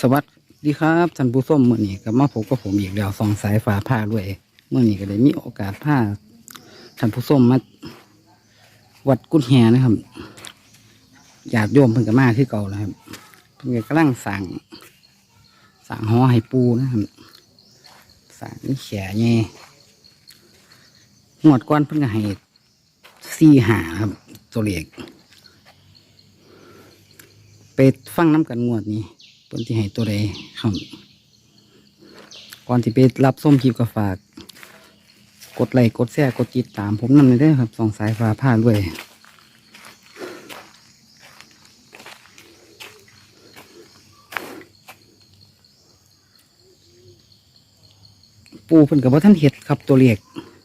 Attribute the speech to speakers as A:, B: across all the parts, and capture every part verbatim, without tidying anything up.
A: วัสดีครับท่านผู้ชมมื่อนี้ก็มาพบกับผมอีกแล้วสองสายฟ้าผ้าด้วยเมื่อนี้ก็ได้มีโอกาสผ้าท่านผู้ชมมาวัดกุฎแหนะครับญาติโยมเพิ่งก็มาที่เก่าแล้วครับเพิ่งก็กำลังสั่งสั่งหอให้ปูนะครับสั่งแขแง่งวดก้อนเพิ่งก็ให้สี่หาครับตัวเล็กไปฟังน้ำกันงวดนี้เพิ่นที่ให้ตัวใดครับก่อนที่ไปรับส้มคลิปก็ฝากกดไลค์กดแชร์กดติดตามผมนั่นเลยเด้อครับสองสายฟ้าผ้าด้วยปูเพิ่นกับว่าท่านเห็ดครับตัวเล็ก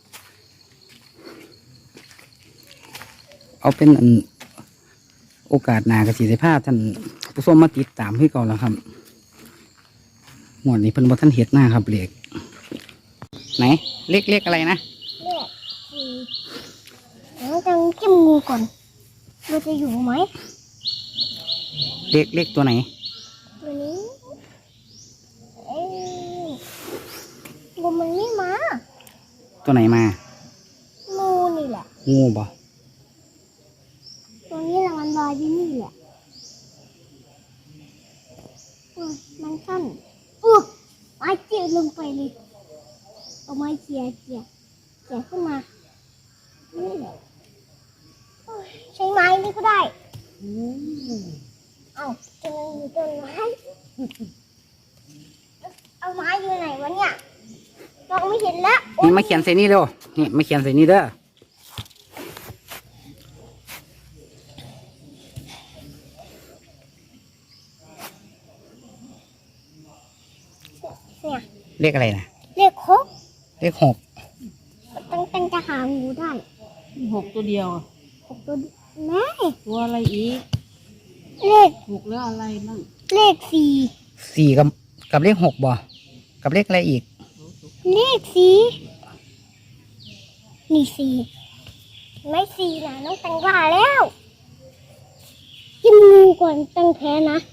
A: เอาเป็นอันโอกาสหน้ากระสีผ้าท่านผู้ชมมาติดตามให้ก่อนแล้วครับหมวดนี้เพิ่นว่าท่านเห็ดหน้าครับเล็กไหนเล็กเล็กอะไรนะ
B: เลขสี่เดี๋ยวจะจิ้มงูก่อนมันจะอยู่ไหม
A: เล็กเล็กตัวไหน
B: ตัวนี้เอ้ยงูมันไม่มา
A: ตัวไหนมา
B: งูนี่แหละ
A: งูบ่
B: ตัวนี้ละมันลอยที่นี่แหละมันสั้นอุ๊ยไม้เจียลงไปเลยเอาไม้เจียเจียเจียขึ้นมานี่แหละใช้ไม้นี่ก็ได้เอาจะมีต้นไม้เอาไม้อยู่ไหนวะเนี่ยมองไม่เห็นแล้ว
A: นี่มาเขียนใส่นี่เร็วนี่มาเขียนใส่นี่เด้อ
B: เนี่ย
A: เลขอะไรนะ
B: เลขหก
A: เลขหก
B: ตั้งตั้งจะหางูได้
C: หกตัวเดียว
B: หกตัวแม่
C: ตัวอะไรอีก
B: เลข
C: หกแล้วอะไรบ้าง
B: เลขสี่
A: สี่กับกับเลขหกบ่กับเลขอะไรอีก
B: เลขสี่นี่สี่ไม่สี่นะน้องตังว่าแล้วจิ้มงูก่อนตังแพ้นะ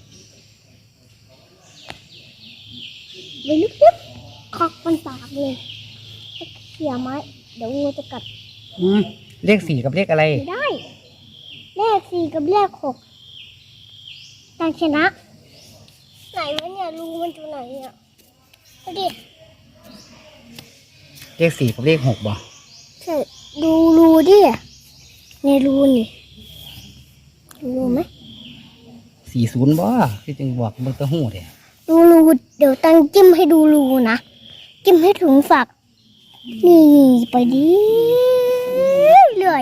B: ไปลึกๆคอกมันปากเลยเขี่ยไม้เดี๋ยวงูจะกัด
A: อืมเลขสี่กับเลขอะไร
B: ไม่ได้เลขสี่กับเลขหกตังชนะไหนวะเนี่ยรูมันอยู่ไหนเนี่ยดูดิ
A: เลขสี่กับเลขหกบ่
B: ใช่ดูรูดิในรูนี่รูไหม
A: สี่ศูนย์บ่ที่จึงบอกเบอร์ตะหู้เนี่ย
B: ดูรูเดี๋ยวตั้งจิ้มให้ดูรูนะจิ้มให้ถึงฝักนี่ไปดิเรื่อย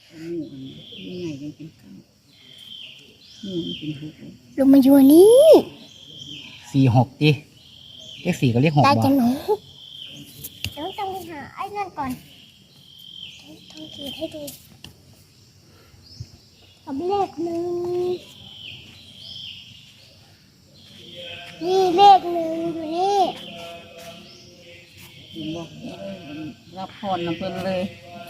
B: ลงมาอยู่นี่
A: สี่หกดิเลขสี่กับเลขหกบ่
B: ได้จะหนูเดี๋ยวต้องไปหาไอ้นั่นก่อนต้องขีดให้ดูกับเลขหนึ่งนี่เลขหนึ่งอยู่นี่
C: บอกรับพรนะเพิ่นเลย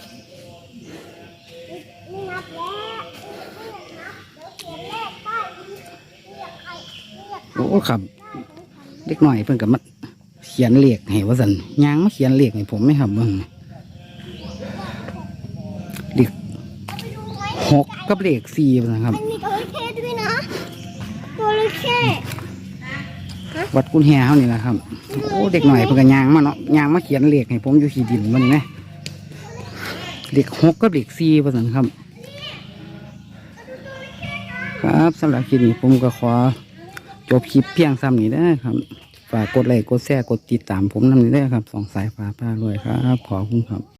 B: ไม่นับแล้วไม่อยากนับเดี๋ยวเขียนเลขได้ไม่อยากใครไม่อยากใคร
A: โอ้ครับเล็กหน่อยเพิ่นกับมาเขียนเลขให้ว่าสันยางมาเขียนเลขให้ผมไม่ครับเบิ่งเลขหกกับเลขสี่นะครับ
B: มันมีตัวเลขด้วยนะตัวเลข
A: วัดกุฎแหเขานี่แหละครับโอ้เด็กหน่อยเพิ่งกันยางมาเนาะยางมาเขียนเลขให้ผมอยู่ที่ดินมันไหมเลขหกกับเลขสี่ว่าสันครับครับสำหรับคลิปนี้ผมก็ขอจบคลิปเพียงซ้ำนี้ได้ครับฝากกดไลค์กดแชร์กดติดตามผมนั่นนี่ได้ครับสองสายฟ้าผ้าด้วยครับขอบคุณครับ